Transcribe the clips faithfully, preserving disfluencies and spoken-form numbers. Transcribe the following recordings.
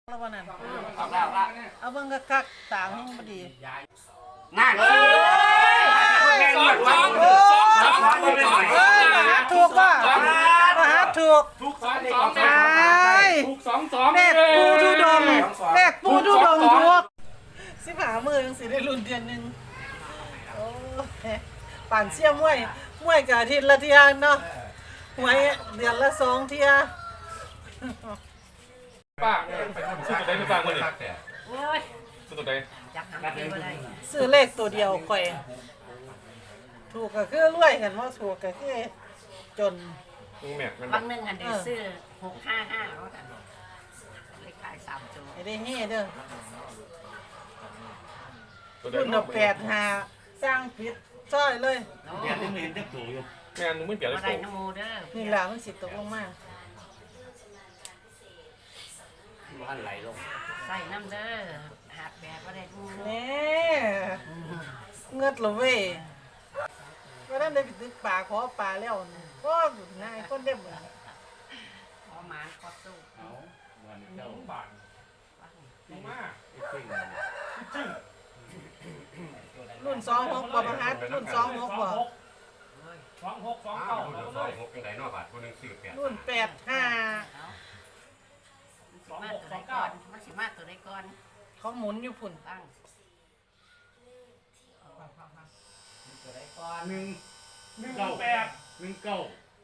แล้ววันนั้นเอาแล้วละเอาเบิ่งกะกักต่างพอดีนั่นเลยสองสองสองสองสองเฮ้ยมหาถูกป่ะมหาถูกทุกสองสองใช่ทุกสองสองแลกปูทุดงแลกปูทุดงถูกสิบหามือยังสิได้รุ่นเดือนหนึ่งโอ้ป่านเชี่ยมวยมวยกับอาทิตย์ละเที่ยเนาะหวยเดือนละสองเที่ยป้าไปทำซื้อตัวใดไม่ป้าเมื่อนี่โอ้ยซื้อตัวใดจับหางเก็บอะไรซื้อเลขตัวเดียวข่อยถูกก็คือรวยกันว่าถูกก็คือจนมึงแม่กันบางหนึ่งอันเดียวซื้อหกห้าห้าแล้วกันเลขขายสามตัวไม่ได้เฮ่เด้อตัวใดคุณเอาแปดหาสร้างผิดจ้อยเลยเดี๋ยวมึงเห็นเด็กตัวอยู่แม่มึงไม่เปลี่ยนเลอะยไรโตนโมเด้อนี่แหละมันสิตกลงมามันไหลลงใส่น้ำเด้อหักแบบอะไรดูแน่เงิดเหรอเว้ยก็ได้ไปตึกป่าขอป่าแล้วก็นายคนเด็บเหมือนขอหมานขอสู้เอาวันเจ้าบาทมึงมาจริงรุ่นสองหกบ่ประหัดรุ่นสองหกบ่สองหกสองเก้าเก้าสองหกยังไงนอกบาทคนหนึ่งสี่แปดรุ่นแปดห้าเอามาตัวใดก่อนมันสิมาตัวใดก่อนเขาหมุนอยู่พุ่นตั้งหนึ่งหนึ่งเก้าแปดหนึ่งเก้า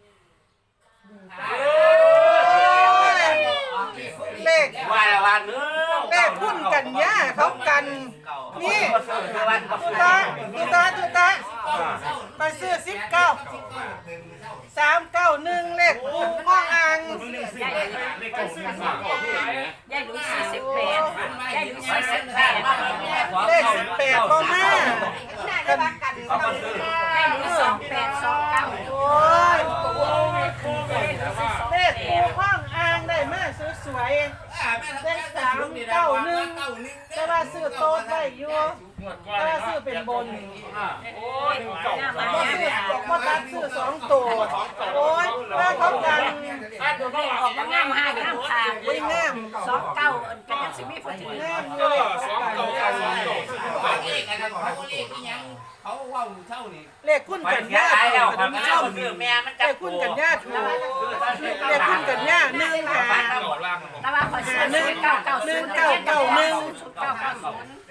เลขว่าละวันเนื้อเลขพุ่นกันย่าเขากันนี่ตุตาตุตาตุตาไปซื้อสิบเก้าสามเก้าหนึ่งเลขปูข้องอ่างยายหลุยยายหลุยสี่สิบแปดยายหลุยสี่สิบแปดเลขสิบแปดบ่มากันยายหลุยสองแปดสองเก้าโอ้ยเลขปูข้องอ่างได้มาสวยๆเลขสามเก้าหนึ่งแต่ว่าซื้อโต๊ะได้อยู่แต่ว่าซื้อเป็นบนโอ้ยหนึ่งเก้าบ่ซื้อบ่ตัดซื้อสองตัวโอ้ยถ้าเขากันออกมางามห้างามทางวิ่งแง่มสองเก้าอันกันยังสิมีพอดีแง่มอเอยู่เลยอสองเก้าเก้าสองเก้าเขาเอกนะเขาเอกอีหยังเขาว่าเท่านี่เลขคุณกันย่าท่านผู้ชมเลขคุณกันย่าถูกเลขคุณกันย่าหนึ่งหาเก้าล่างมันแต่ว่าขอซื้อหนึ่งเก้าเก้าศูนย์เก้าเก้าหนึ่งเก้าเก้าศูนย์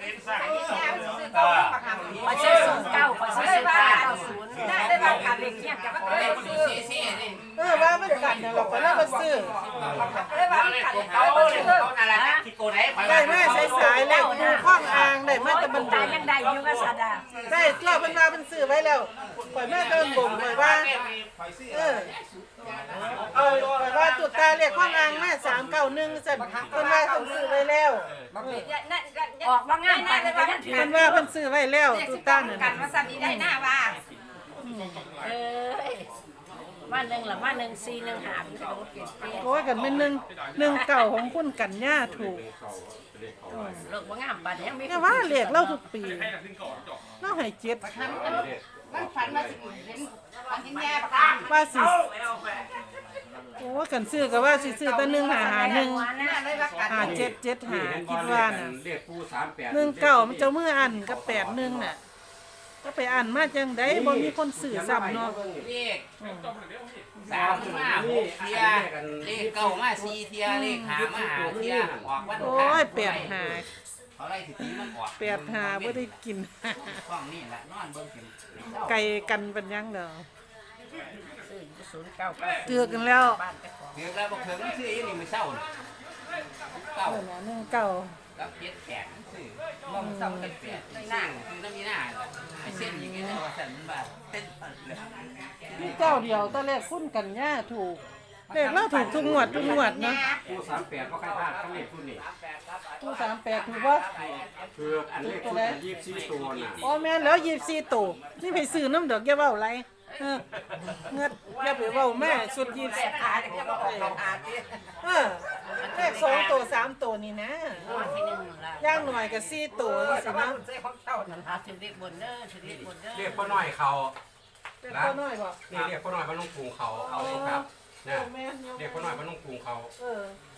ขอซื้อศูนย์เก้าขอซื้อศูนย์เก้าเก้าศูนย์ได้บางการเลขเทียบกับของเลขซื้อเออว่ามันกันเนี่ยเราก็เลยมาซื้อเขาเขาอะไรนะที่โกไหนได้มาใช้สายเลขปูข้องอ่างได้มาแต่บันตาบุยังได้อยู่กับสาดาได้ตัวเป็นว่าเป็นซื้อไว้แล้วปล่อยแม่เดินบ่มปล่อยว่าเออเออปล่อยว่าตุดตาเลขข้องอ่างแม่สามเก้าหนึ่งสั่นเป็นว่าต้องซื้อไว้แล้วออกว่างามไปก็ยังถือเป็นว่าเพิ่นซื้อไว้แล้วตุดตานั่นกันมาสั่นนี้ได้หน้าว่าเอ้ยมาหนึ่งหรือมาหนึ่งสี่หนึ่งหาเป็นขนมเปียกเปียกโอ้ยกันเป็นหนึ่งหนึ่งเก่าของคุณกันย่าถูกเลิกว่างามไปยังมีเนี่ยว่าเลขเล่าทุกปีเล่าให้เจ็ดมันฝันว่าสิเห็นฝันเห็นแย่ปะว่าสิโอ้กันซื้อก็ว่าสิซื้อแต่หนึ่งหาหาหนึ่งหน้าเลยว่ากันหาเจ็ดเจ็ดหาคิดว่าน่ะเรียกผู้สามแปดหนึ่งเก่ามันเจ้ามืออันกับแปดหนึ่งน่ะก็ไปอ่านมาจังได้บ่มีคนซื้อซ้ำเนาะเลขสามมาหกเทียเลขเก้ามาสี่เทียเลขหามาหาเทียออกวันโอ้ยแปดหาเขาไล่สิตีมันออกแปดหาบ่ได้กินห้องนี่แหละนอนเบิ่งกินไก่กันเป็นยังเด้อซื้อศูนย์เก้าเก้าเตือกันแล้วบ้านเจ้าของเถือกแล้วบอกเถือกมันซื้ออีนี่มือเศร้าเก้าเออน่ะหนึ่งเก่ากับเจ็ดแปดซื้อมองเศร้าเจ็ดแปดหน้าคือน้ำมีหน้าไอ้เส้นอย่างเงี้ยว่าสั่นมันแบบเป็นเลยมีเจ้าเดียวตอนแรกคุณกันย่าถูกเลขเราถูกทุกงวดทุกงวดเนาะผู้สามแปดก็ใครพลาดต้องเล่นผู้นี่ผู้สามแปดถูกว่าคืออันเลขชุดอันยี่สิบสี่ตัวน่ะอ๋อแม่นแล้วยี่สิบสี่ตัวนี่ไปซื้อน้ำดอกแกเว้าไรเออเงิดอย่าไปเว้าแม่สุดยี่สิบอาจะบอกอาดิเออเลขสองตัวสามตัวนี่นะวันที่หนึ่งละย่างหน่อยกับสี่ตัวสินะหาถึงเด็กบนเด้อถึงเด็กบนเด้อเรียกพ่อน้อยเขาเป็นตัวน้อยบ่นี่เรียกพ่อน้อยบ้านลุงกรุงเขาเอาเลยครับนะแม่นอยู่เรียกพ่อน้อยบ้านลุงกรุงเขาเออ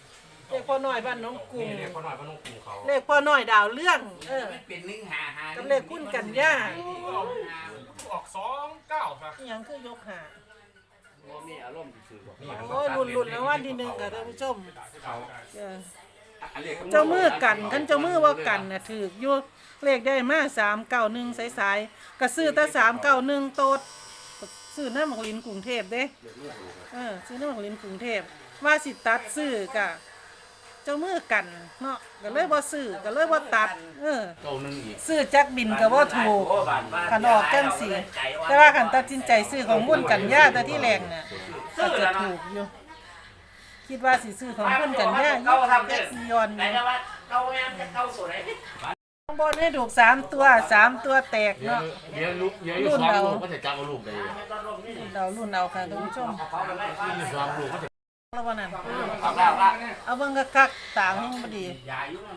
เลขพ่อน้อยบ้านน้องกุ้งนี่เขาหน่อยว่าน้องกูเขาเลขพ่อน้อยดาวเรื่องเออเป็นหนึ่งหาหากับเลขคุณกันย่าออกสองเก้าครับอิหยังคือยกหามีอารมณ์ซื่อโอ้ยรุ่นๆแล้ววันที่หนึ่งค่ะท่านผู้ชมเขาเอออันเลขเจ้ามือกันคันเจ้ามือว่ากันน่ะถือกอยู่เลขได้มาสามเก้าหนึ่งสายๆก็ซื้อแต่สามเก้าหนึ่งโตดซื้อน้ำหมักลินกรุงเทพเด้เออซื้อน้ำหมักลินกรุงเทพว่าสิตัดซื้อกะเจ้ามือกันเนาะก็เลยบ่ซื้อก็เลยบ่ตัดเออเก้าหนึ่งอีกซื้อจักบินก็บ่ถูกคันออกจังสีแต่ว่าคันตัดสินใจซื้อของมุ่นกันย่าแต่ที่แรงน่ะก็จะถูกอยู่คิดว่าสิซื้อของมุ่นกันย่ายี่สิบสี่ยอนอยู่เก้าแม่เก้าสวยข้างบนให้ถูกสามตัวสามตัวแตกเนาะเดี๋ยวลูกเดี๋ยวอยู่สองลูกก็จะจับเอาลูกได้รุ่นเรารุ่นเราค่ะท่านผู้ชมอยู่สองลูกก็จะแล้ววันนั้นเอาแล้วว่าเอาเบิ่งกะกักต่างให้บ่ดียายุ่ง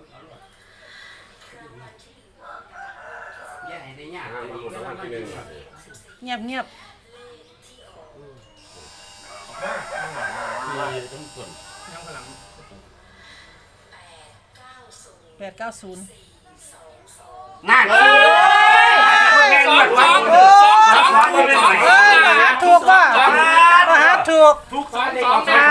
แย่ให้ได้ยากห้ามันหมดแล้ววันที่หนึ่งเงียบเงียบสี่ต้องส่วนยังพลังแปดเก้าศูนย์นั่นเอ้ยสองสองโอ้สองสองสองเอ้ยมหาถูกว่ะมหาถูกทุกสองสองใช่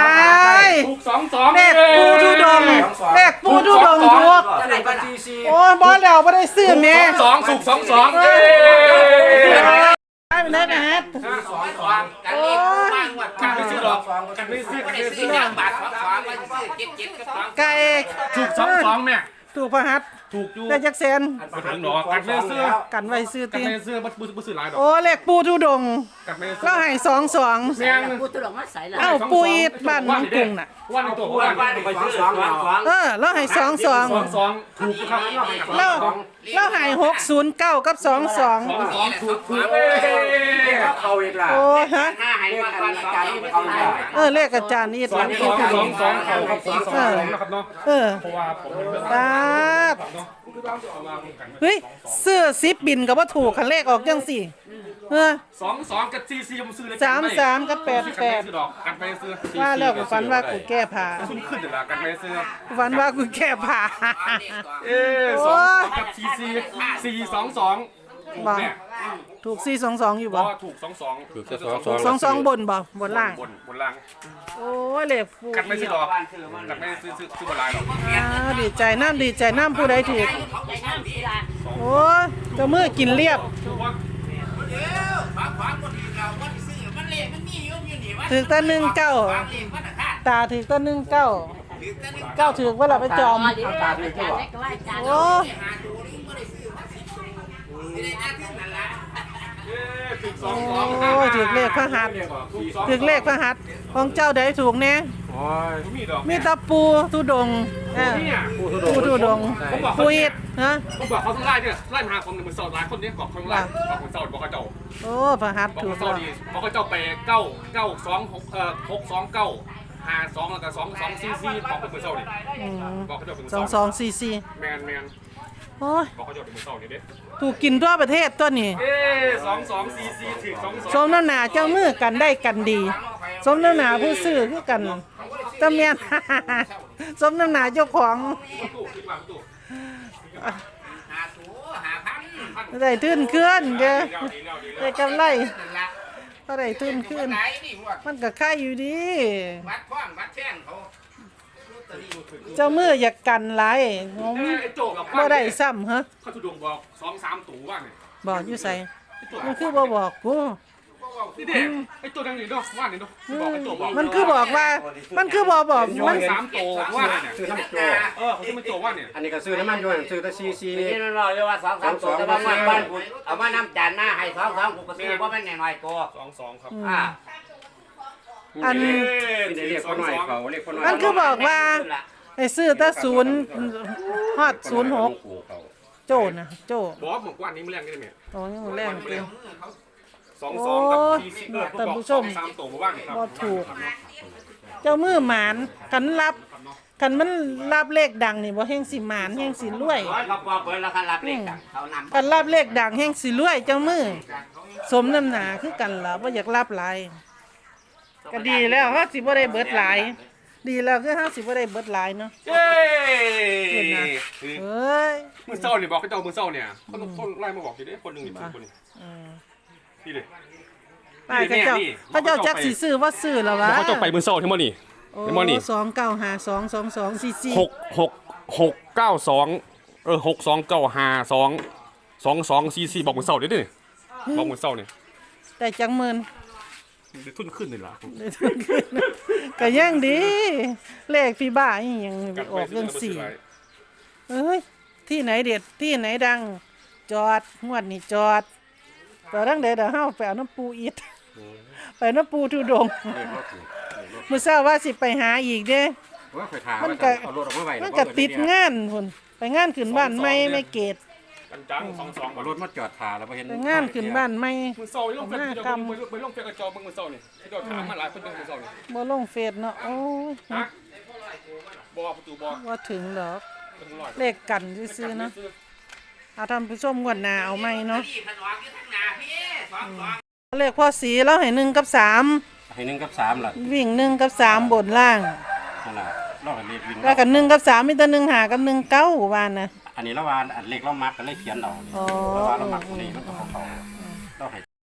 ทุกสองสองเลขปูทุดงเลขปูทุดงถูกจะไหนก็ซีซีโอ้ยบ่แล้วบ่ได้ซื้อแม่สองสุกสองสองเอ้ได้ไปได้นะฮะสองสองกันเองบ้างวัดกันไม่ซื้อหรอกกันไม่ซื้อก็กันได้ไม่ซื้ซื้ออยางบาทสองสองก็ซื้อเจ็ดเจ็ดกับสองไก่ถูกสองสองแม่ถูกพระหัตถ์ถูกอยู่ได้จักแสนมาถึงหรอกันไม่ซื้อกันไว้ซื้อกันติไม่ซื้อบัตรบัตรซื้อหลายดอกโอ้เลขปูทุดงกันไม่ซื้อก็ให้สองสองแม่งกูตุลงมาใส่ละเอ้าปูอีดบ้านน้องกุ้งน่ะวันในตัวบ้าวัน นบ้านไปซื้อสองสองเออแล้วให้สองสองสองสองถูกครับแล้วแล้วให้หกศูนย์เก้ากับสองสองสองสองถูกถูกเลขเขาอีกล่ะโอ้ฮะหน้าให้มาก่อนการที่เขาได้เออเลขอาจารย์นี่สหอลังงสองที่สองสองเขาครับสองสองนะครับเนาะเออเพราะว่าผมเป็นเรื่องตาดเนาะเอามาพูดกันเฮ้ยเสื้อซิปบินก็บ่ถูกคันเลขออกจังสี่เออสองสองกับซีซีผมซื้อเลยสามสามกับแปดแปดซื้อดอกกันไปซื้อว่าแล้วกูฝันว่ากูแก้ผ้าขึ้นขึ้นเดี๋ยวละกันไปซื้อกูฝันว่ากูแก้ผ้าเอ๊สองสองกับซีซีสี่สองสองถูกเนี่ยถูกสี่สองสองอยู่เพบ่ราะถูกสองสองถูกแค่สองสองสองสองบนบ่บนล่างบนบนล่างโอ้ยเลขปูกันไม่ซื้อดอกกันไม่ซื้อซื้อซื้อบนลายหรอกอ้าวดีใจน้ำดีใจน้ำผู้ใดถือใจน้ำกีฬาโอ้ยเจ้ามือกินเรียบถูกว่าเดี๋ยวฝากความคนอื่นเราก็ซื้อมันเละมันมีอยู่อยู่นี่วะถือแต่หนึ่งเก้าฝากเละมันขาดตาถือแต่หนึ่งเก้าถือแต่หนึ่งเก้าถือว่าเราไปจอมดีอาจารย์เล็กก็ว่าอาจารย์โอ้ยหาตัวนี้ไม่ได้ซื้อมาสิบไม่ได้น่าขึ้นนั่นละเอ๊ถูกสองสโอ้องยถือเลขพระหัตถ์ถูกสองถือเลขพระหัตถ์ของเจ้าใดถูกแน่โอ้ยมีดอกมีตะปูทุดงเออเนี่ยปูทุดงปูอิดฮะผมบอกเขาต้องไล่เนี่ยไล่มาหาคนหนึ่งมือสาวหลายคนนี้บอกเขาไล่บอกคนสาวบอกเขาเจ้าโอ้พระหัตถ์บอกถูคกนสาวแล้วดีบอกเขาเจ้าไปเก้าเก้าสองหกเอ่อหกสองเก้าห้าสองแล้วก็สองสองซีซีบอกเป็นมือสาวดิอืมบอกเขาเจ้าเป็นมือสองสาวสองสี่สี่แมนแมนโอ้ยบอกเขาเจ้าเป็นมือสาวนี่เด้ถูกกินทั่วประเทศตัวนี้เอ๊สองสองซีซีถึงสองสองสมน้ำหนาเจ้ามือกันได้กันดี สมน้ำหนาผู้ซื้อคือกันตะเมียน สมน้ำหนาเจ้าของตู้คิดว่าตู้หาตัวหาพันได้ทื่นขึ้นเด้อดีแล้วดีแล้วดีแล้วได้กำไรนั่นละก็ได้ทื่นขึ้นไหนนี่พวกมันก็ค่ายอยู่ดีวัดข้องวัดแท่งเขาเจ้ามืออยากกันหลายงมเอ๊ไอ้โจกับบ่ได้ซ้ำฮะเขาถูกดวงบอกสองสามตู่ว่าเนี่ยบอกอยู่ใส่ไอ้โจมันคือบ่บอกกูนี่เด็กไอ้ตัวดังนี่เนาะว่านี่เนาะบอกไอ้โจบอกมันคือบอกว่า มันคือบ่บอกสอมันงสามตู่ว่าเนี่ยซื้อน้ำโจเออเขาจะมาโจว่าเนี่ยอันนี้ก็ซื้อน้ำมันด้วยซื้อแต่ซีซีนี่มันบอกเลยว่าสองสามตัวแต่ว่ามันบ้านกูเอามาน้ำจานหน้าให้สองสองกูก็ซื้อว่ามันหน่อยตัวสองสองครับอ่าอันนี่ได้เรียกคนหน่อยเขาเรียกคนหน่อยมันคือบอกว่าให้ซื้อแต่ศูนย์ฮอดศูนย์หกโจนะโจบอกบอกว่านี้มันแรงกันไหมโอ้ยังแรงเกินสองสองกับทีซีเออผมบอกสองสามตู่มาบ้างครับบ่ถูก เจ้ามือหมานกันรับกันมันรับเลขดังนี่บ่แห่งสิหมานแห่งสิรวยร้อยเขาบอกเปิดแล้วเขารับเลขดังเขานำกันรับเลขดังแห่งสิรวยเจ้ามือสมน้ำหนาคือกันล่ะบ่อยากรับหลายก็ดีแล้วเฮาสิบ่ได้เบิดหลายดีแล้วคือห้าสิบว่าได้เบิดหลายเนาะเย้เห็นนะ เฮ้ยมือเศร้าเนี่ยบอกให้เจ้ามือเศร้าเนี่ยคนคนไล่มาบอกอยู่ดิคนหนึ่งนี่ถือคนนี้อืมนี่เลยป้ายเขาเจ้าเขาเจ้าจักสิซื้อว่าซื้อแล้ววะเขาเจ้าไปมือเศร้าที่มันนี่โอ้เห็นบ่นี่สองเก้าห้าสองสองสองสี่สี่หกหกหกเก้าสองเออหกสองเก้าห้าสองสองสองสี่สี่บอกมือเศร้าเด้อดิบอกมือเศร้าเนี่ยแต่จังหมื่นทุนขึ้นเลยล่ะก็ยังดี เลขพี่บ้าอีหยังออกเรื่องสี่เอ้ยที่ไหนเด็ดที่ไหนดัง จอดงวดนี่จอดจอดดังเด็ดเดี๋ยวเฮาไปเอาน้ำปูอีดไปน้ำปูทุดงค์เลขรถถูกมื้อเช้าว่าสิไปหาอีกเด้ว่าเคยถามมันว่าก็เอารถออกมาไว้มันก็ติดงานพุ่นไปงานขึ้นบ้านไม่ไม่เกตกันจังสองสองเอารถมาจอดถาแล้วบ่เห็นไปงานขึ้นบ้านไม่มือเศร้าลงเฟซเจ้าไปไปลงเฟซกระจอกมือเศร้านี่ที่เราถามมาหลายคนเป็นมือเศร้านี่บ่ลงเฟซเนาะโอ้ยฮะบอประตูบอว่าถึงดอกเป็นร้อยเลขกันซื่อๆเนาะเอาท่านผู้ชมงวดหน้าเอาไหมเนาะพี่ผนวกอยู่ทางหน้าพี่สองสองเลขพ่อสีแล้วให้หนึ่งกับสามให้หนึ่งกับสามล่ะวิ่งหนึ่งกับสามบนล่างนั่นล่ะเราก็เลขวิ่งแล้วกันหนึ่งกับสามมีแต่หนึ่งหากับหนึ่งเก้าบ้านนะอันนี้ละวานอันเลขเรามักก็เลยเขียนเอาอ๋อละวานเรามักตัวนี้มันก็ของเขาเราให้